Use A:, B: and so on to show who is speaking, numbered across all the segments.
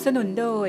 A: สนุนโดย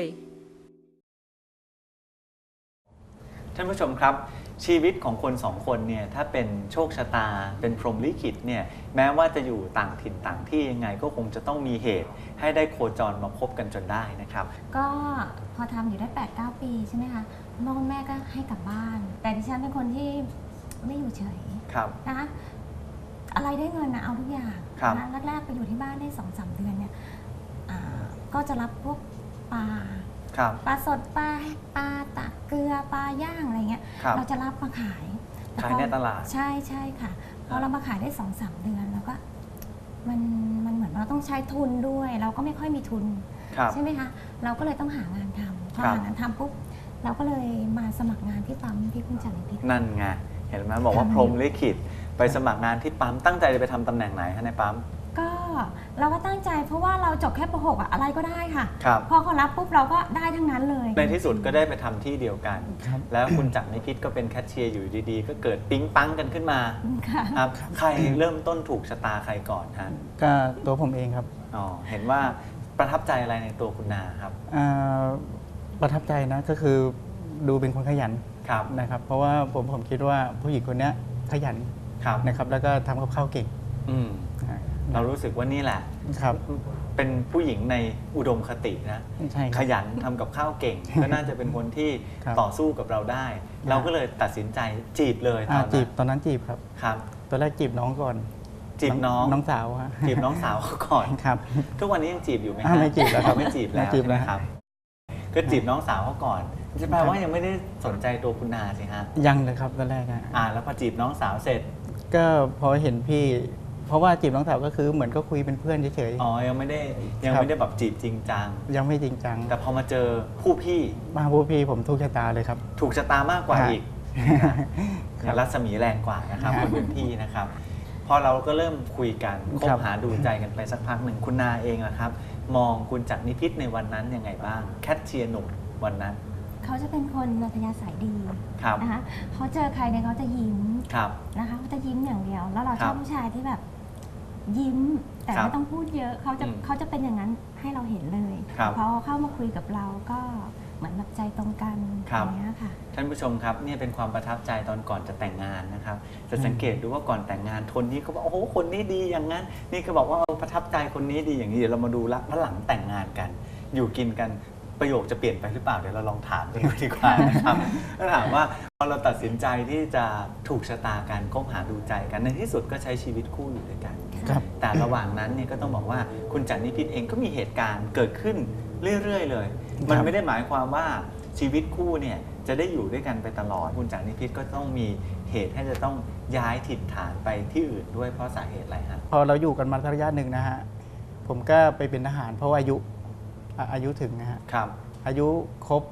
B: ท่านผู้ชมครับชีวิตของคนสองคนเนี่ยถ้าเป็นโชคชะตาเป็นพรหมลิขิตเนี่ยแม้ว่าจะอยู่ต่างถิ่นต่างที่ยังไงก็คงจะต้องมีเหตุให้ได้โคจรมาพบกันจนได้นะครับ
C: ก็พอทำอยู่ได้ 8-9 ปีใช่ไหมคะพ่อคุณแม่ก็ให้กลับบ้าน แต่ดิฉันเป็นคนที่ไม่อยู่เฉยนะคะอะไรได้เงินนะเอาทุกอย่างนะแรกๆไปอยู่ที่บ้านได้ 2-3 เดือนเนี่ยก็จะรับพวกปลาสดปลาตะเกลือปลาย่างอะไรเงี้ยเราจะรับมาขาย
B: ในตลาด
C: ใช่ค่ะพอเรามาขายได้ 2-3 เดือนแล้วก็มันเหมือนเราต้องใช้ทุนด้วยเราก็ไม่ค่อยมีทุนใช่ไหมคะเราก็เลยต้องหางานทำพอหางานทำปุ๊บเราก็เลยมาสมัครงานที่ปั๊มที่คุณจันทร์พิษ
B: นั่นไงเห็นไหมบอกว่าพรหมลิขิตไปสมัครงานที่ปั๊มตั้งใจจะไปทำตำแหน่งไหนคะในปั๊ม
C: ก็เราก็ตั้งใจเพราะว่าเราจบแค่ป .6 อะไรก็ได้ค่ะพอเขารับปุ๊บเราก็ได้ทั้งนั้นเลย
B: ในที่สุดก็ได้ไปทำที่เดียวกันแล้วคุณจักรนิพิษก็เป็นแคชเชียร์อยู่ดีๆก็เกิดปิ๊งปังกันขึ้นมาครับใครเริ่มต้นถูกชะตาใครก่อนฮะ
D: ก็ตัวผมเองครับ
B: เห็นว่าประทับใจอะไรในตัวคุณนาครับ
D: ประทับใจนะก็คือดูเป็นคนขยันนะครับเพราะว่าผมคิดว่าผู้หญิงคนนี้ขยันนะครับแล้วก็ทำกับข้าวเก่ง
B: เรารู้สึกว่านี่แหละเป็นผู้หญิงในอุดมคตินะขยันทำกับข้าวเก่งก็น่าจะเป็นคนที่ต่อสู้กับเราได้เราก็เลยตัดสินใจจีบเลย
D: ตอนนั้นจีบครับตอนแรกจีบน้องก่อน
B: จีบน้
D: องสาวฮะ
B: จีบน้องสาวเขาก่อน
D: ครับ
B: ทุกวันนี้ยังจีบอยู่ไหม
D: ไม่จีบแล้วครับ
B: ไม่จีบแล้วนะครับก็จีบน้องสาวเขาก่อนจะแปลว่ายังไม่ได้สนใจตัวคุณนาสิฮะ
D: ยังเลยครับตอนแรก
B: แล้วพอจีบน้องสาวเสร็จ
D: ก็พอเห็นพี่เพราะว่าจีบน้องสาวก็คือเหมือนก็คุยเป็นเพื่อนเฉย
B: ๆยังไม่ได้แบบจีบจริงจัง
D: ยังไม่จริงจัง
B: แต่พอมาเจอผู้พี่
D: ผมถูกชะตาเลยครับ
B: ถูกชะตามากกว่าอีกรัศมีแรงกว่านะครับคนเป็นพี่นะครับพอเราก็เริ่มคุยกันคบหาดูใจกันไปสักพักหนึ่งคุณนาเองนะครับมองคุณจักรนิพิษในวันนั้นยังไงบ้างแคทเชียร์หนุ่มวันนั้น
C: เขาจะเป็นคนอัธยาศัยดีนะคะเขาเจอใครเนี่ยเขาจะยิ้มนะคะเขาจะยิ้มอย่างเดียวแล้วเราชอบผู้ชายที่แบบยิ้มแต่ไม่ต้องพูดเยอะเขาจะเป็นอย่างนั้นให้เราเห็นเลยพอเข้ามาคุยกับเราก็เหมือนแบบใจตรงกันอย่างนี้ค่ะ
B: ท่านผู้ชมครับนี่เป็นความประทับใจตอนก่อนจะแต่งงานนะครับจะสังเกตดูว่าก่อนแต่งงานคนนี้ก็บอกโอ้โหคนนี้ดีอย่างนั้นนี่ก็บอกว่าประทับใจคนนี้ดีอย่างนี้เดี๋ยวเรามาดูละหลังแต่งงานกันอยู่กินกันประโยคจะเปลี่ยนไปหรือเปล่าเดี๋ยวเราลองถามกันดูดีกว่านะครับถ้าถามว่าพอเราตัดสินใจที่จะถูกชะตากันคบหาดูใจกันในที่สุดก็ใช้ชีวิตคู่อยู่ด้วยกันแต่ระหว่างนั้นเนี่ยก็ต้องบอกว่าคุณจักรนิพิษเองก็มีเหตุการณ์เกิดขึ้นเรื่อยๆเลยมันไม่ได้หมายความว่าชีวิตคู่เนี่ยจะได้อยู่ด้วยกันไปตลอดคุณจักรนิพิษก็ต้องมีเหตุให้จะต้องย้ายถิ่นฐานไปที่อื่นด้วยเพราะสาเหตุอะไรฮะ
D: พอเราอยู่กันมาระยะหนึ่งนะฮะผมก็ไปเป็นทหารเพราะว่าอายุถึงนะฮะอายุครบ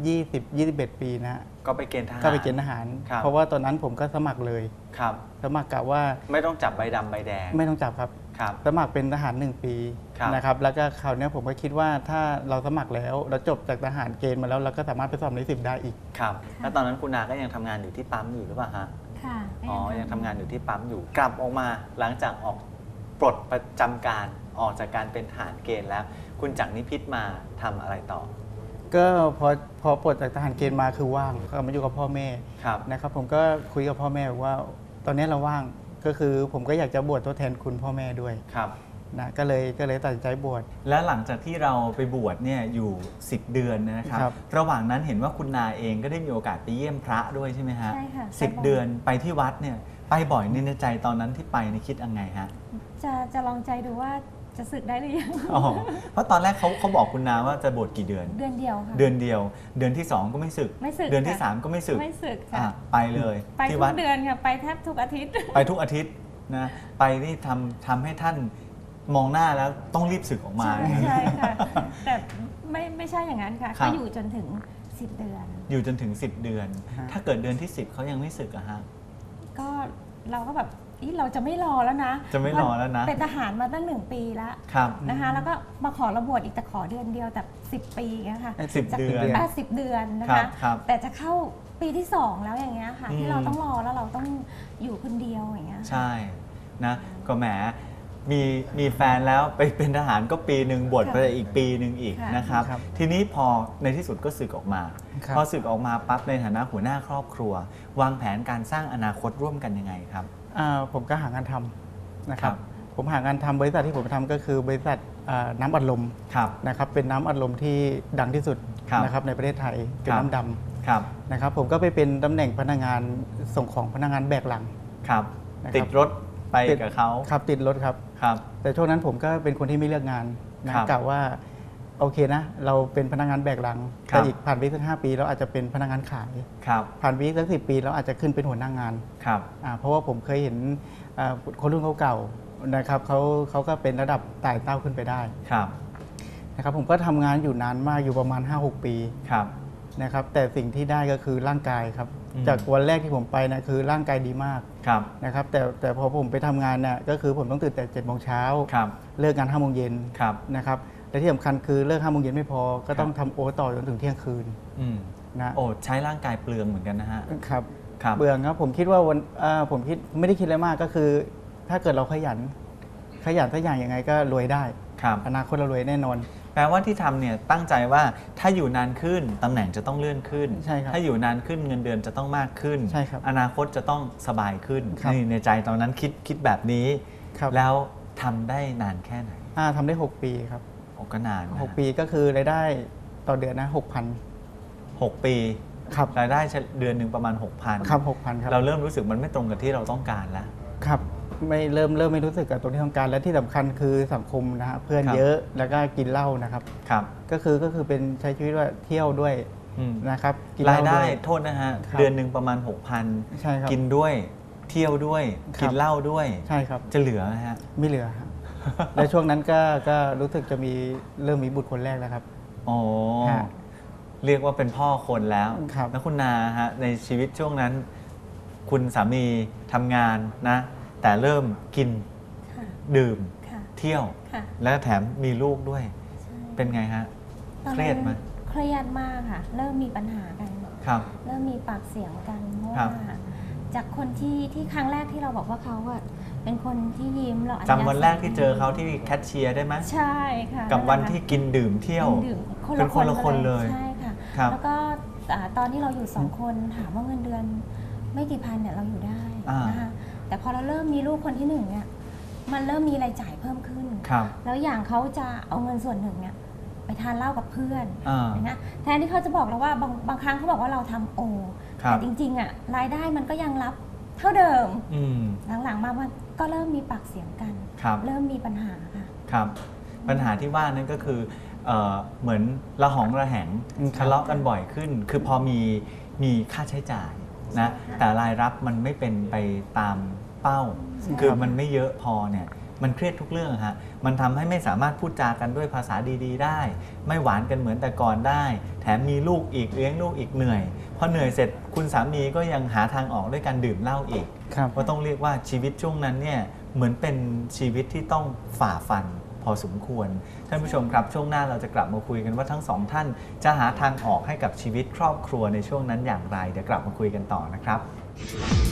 D: 21 ปีนะฮะ
B: ก็ไปเกณฑ์ทหาร
D: เพราะว่าตอนนั้นผมก็สมัครเลยสมัครกะว่า
B: ไม่ต้องจับใบดำใบแดง
D: ไม่ต้องจับครับสมัครเป็นทหาร1 ปีนะครับแล้วก็คราวนี้ผมก็คิดว่าถ้าเราสมัครแล้วเราจบจากทหารเกณฑ์มาแล้วเราก็สามารถไปสอบใน10ได้อีก
B: ครับแล้วตอนนั้นคุณนาก็ยังทำงานอยู่ที่ปั๊มอยู่หรือเปล่าฮะ
C: ค่ะ
B: ยังทำงานอยู่ที่ปั๊มอยู่กลับออกมาหลังจากออกปลดประจำการออกจากการเป็นทหารเกณฑ์แล้วคุณจักรนิพิษมาทำอะไรต่อ
D: ก็พอปลดจากทหารเกณฑ์มาคือว่างก็มาอยู่กับพ่อแม่นะครับผมก็คุยกับพ่อแม่ว่าตอนนี้เราว่างก็คือผมก็อยากจะบวชทดแทนคุณพ่อแม่ด้วยนะก็เลยตัดสินใจบวช
B: และหลังจากที่เราไปบวชเนี่ยอยู่10 เดือนนะครับระหว่างนั้นเห็นว่าคุณนาเองก็ได้มีโอกาสไปเยี่ยมพระด้วยใช่ไหมฮะ
C: ใช่ค่ะ
B: 10 เดือนไปที่วัดเนี่ยไปบ่อยในใจตอนนั้นที่ไปในคิดยังไงฮะ
C: จะลองใจดูว่าจะสึกได้หรือยัง
B: เพราะตอนแรกเขาบอกคุณนาว่าจะบวชกี่เดือน
C: เดือนเดียวค่ะ
B: เดือนเดียวเดือนที่2ก็ไม่สึกเดือนที่3ก็ไม่สึก
C: ค่ะ
B: ไปเลย
C: ไปทุกเดือนค่ะไปแทบทุกอาทิตย์
B: ไปทุกอาทิตย์นะไปนี่ทำให้ท่านมองหน้าแล้วต้องรีบสึกออกมา
C: ใช่ค่ะแต่ไม่ใช่อย่างนั้นค่ะก็อยู่จนถึง10 เดือน
B: อยู่จนถึง10 เดือนถ้าเกิดเดือนที่10เขายังไม่สึกอะฮะ
C: ก็เราก็แบบเราจะไม่รอแล้วนะเป็นทหารมาตั้ง1 ปีแล้วนะคะแล้วก็มาขอระบวชอีกแต่ขอเดือนเดียวแต่10 ปีนะคะ
B: 10 เดือน
C: 10 เดือนนะคะแต่จะเข้าปีที่2แล้วอย่างเงี้ยค่ะที่เราต้องรอแล้วเราต้องอยู่คนเดียวอย่างเงี้ย
B: ใช่นะก็แหมมีแฟนแล้วไปเป็นทหารก็ปีหนึ่งบวชไปอีกปีหนึ่งอีก
C: ค่ะ
B: นะครับ
D: ครับ
B: ทีนี้พอในที่สุดก็สึกออกมา
D: ครับ
B: พอสึกออกมาปั๊บในฐานะหัวหน้าครอบครัว วางแผนการสร้างอนาคตร่วมกันยังไงครับ
D: ผมก็หางานทำนะครั
B: ครับ บ
D: ผมหางานทำบริษัทที่ผมทำก็คือบริษัทน้ำอัดลม
B: ครับ
D: นะครับเป็นน้ำอัดลมที่ดังที่สุด
B: ครับ
D: นะครับในประเทศไทยเป็น
B: ครับ
D: น้ำดำ
B: ครับ
D: นะครับผมก็ไปเป็นตำแหน่งพนักงานส่งของพนักงานแบกหลัง
B: ครับ
D: นะครับ
B: ติดรถไป
D: ติด
B: กับเขา
D: ครับติดรถครับ
B: ครับ
D: แต่ช่วงนั้นผมก็เป็นคนที่ไม่เลือกงานนะครับ กะว่าโอเคนะ เราเป็นพนักงานแบกหลัง
B: ครับ
D: แต่อีกผ่านไปสัก5 ปีเราอาจจะเป็นพนักงานขาย
B: ครับ
D: ผ่านไปอีกสัก10 ปีเราอาจจะขึ้นเป็นหัวหน้างาน
B: ครับ
D: เพราะว่าผมเคยเห็นคนรุ่นเก่าๆนะครับเขาก็เป็นระดับไต่เต้าขึ้นไปได้
B: ครับ
D: นะครับผมก็ทำงานอยู่นานมากอยู่ประมาณ 5-6 ปี
B: ครับ
D: นะครับแต่สิ่งที่ได้ก็คือร่างกายครับ
B: อืม
D: จากวันแรกที่ผมไปนะคือร่างกายดีมาก
B: ครับ
D: นะครับแต่พอผมไปทำงานเนี่ยก็คือผมต้องตื่นแต่7 โมงเช้า
B: ครับ
D: เลิกงาน5 โมงเย็น
B: ครับ
D: นะครับและที่สำคัญคือเลิก5 โมงเย็นไม่พอก็ต้องทำโอต่อจนถึงเที่ยงคืน
B: อืม
D: นะ
B: โอ้ใช้ร่างกายเปลืองเหมือนกันนะฮะ
D: ครับ
B: ครับ
D: เบื่อครับผมคิดว่าผมคิดไม่ได้คิดอะไรมากก็คือ ถ้าเกิดเราขยันสักอย่างยังไงก็รวยได้
B: ครับ
D: อนาคตเรารวยแน่นอน
B: แปลว่าที่ทำเนี่ยตั้งใจว่าถ้าอยู่นานขึ้นตำแหน่งจะต้องเลื่อนขึ้น
D: ใช่ครับ
B: ถ้าอยู่นานขึ้นเงินเดือนจะต้องมากขึ้น
D: ใช่ครับ
B: อนาคตจะต้องสบายขึ้น
D: ครับ
B: นี่ในใจตอนนั้นคิดแบบนี้
D: ครับ
B: แล้วทำได้นานแค่ไหน
D: ทำได้ 6 ปีครับ
B: โอ้ก็นานนะ
D: 6 ปีก็คือรายได้ต่อเดือนนะ
B: 6 ปี
D: 6,000ครับ
B: รายได้เดือนหนึ่งประมาณ 6,000
D: ครับ 6,000ครับ
B: เราเริ่มรู้สึกมันไม่ตรงกับที่เราต้องการแล้ว
D: ครับไม่เริ่มไม่รู้สึกกับตรงที่ต้องการและที่สำคัญคือสังคมนะฮะเพื่อน
B: ครับ
D: เยอะแล้วก็กินเหล้านะครับ
B: ครับ
D: ก็คือเป็นใช้ชีวิตว่าเที่ยวด้วย
B: อืม
D: นะครับกินเห
B: ราย
D: ล้า
B: ได้
D: ด้วย
B: โทษนะฮะ
D: ครับ
B: เดือนหนึ่งประมาณ
D: ใช่ครับ
B: 6,000 กินด้วยเที่ยวด้วย
D: ครับ
B: กินเหล้าด้วย
D: ใช่ครับ
B: จะเหลือไหมฮะ
D: ไม่เหลือครับ และช่วงนั้นก็รู้สึกจะเริ่มมีบุตรคนแรกแล้วครับ
B: อ๋อ
D: ฮะ
B: เรียกว่าเป็นพ่อคนแล้ว
D: ครับ
B: แล้วคุณนาฮะในชีวิตช่วงนั้น คุณสามีทำงานนะ แต่เริ่มกิน
C: ค่ะ
B: ดื่ม
C: ค่ะ
B: เที่ยว
C: ค่ะ
B: และแถมมีลูกด้วย
C: ใช่
B: เป็นไงฮะ
C: ตอน
B: เครี
C: นั้
B: ยด
C: น
B: ไหม
C: เครียดมากค่ะ เริ่มมีปัญหากัน
B: ครับ
C: เริ่มมีปากเสียงกันเพราะ
B: ครั
C: ว่า
B: บ
C: จากคนที่ครั้งแรกที่เราบอกว่าเขาอะเป็นคนที่ยิ้มเราอัธยาศัย
B: จำวันแรกที่เจอเขาที่แคชเชียร์ได้ไหม
C: ใช่ค่ะ
B: กับวัน
C: แหละค่ะ
B: ที่กินดื่มเที่ยว
C: ดื่ม
B: เป็นคนละคนเลย
C: ใช่ค่ะ
B: ครับ
C: แล้วก็ตอนที่เราอยู่2 คนถามว่าเงินเดือนไม่กี่พันเนี่ยเราอยู่ได้
B: อ่าน
C: นะคะแต่พอเราเริ่มมีลูกคนที่1เนี่ยมันเริ่มมีรายจ่ายเพิ่มขึ้น
B: ครับ
C: แล้วอย่างเขาจะเอาเงินส่วนหนึ่งเนี่ยไปทานเหล้ากับเพื่อน
B: อ่า
C: อย่างเงี้ยแทนที่เขาจะบอกเราว่าบางครั้งเขาบอกว่าเราทำโอ
B: ครับ
C: แต่จริงๆอ่ะรายได้มันก็ยังรับเท่าเดิม
B: อืม
C: หลังๆมามันก็เริ่มมีปากเสียงกัน
B: ครับ
C: เริ่มมีปัญหาค่ะ
B: ครับ ปัญหาที่ว่านั่นก็คือเหมือนระหองระแหง
D: ครับ
B: ทะเลาะกันบ่อยขึ้น คือพอมีค่าใช้จ่ายนะแต่รายรับมันไม่เป็นไปตามเป้า คือมันไม่เยอะพอเนี่ยมันเครียดทุกเรื่องฮะมันทำให้ไม่สามารถพูดจากันด้วยภาษาดีๆ ได้ ไม่หวานกันเหมือนแต่ก่อนได้ แถมมีลูกอีกเลี้ยงลูกอีกเหนื่อยพอเหนื่อยเสร็จคุณสามีก็ยังหาทางออกด้วยการดื่มเหล้าอีก
D: ครับ
B: ก็ต้องเรียกว่าชีวิตช่วงนั้นเนี่ยเหมือนเป็นชีวิตที่ต้องฝ่าฟันพอสมควรท่านผู้ชมครับช่วงหน้าเราจะกลับมาคุยกันว่าทั้งสองท่านจะหาทางออกให้กับชีวิตครอบครัวในช่วงนั้นอย่างไรเดี๋ยวกลับมาคุยกันต่อนะครับ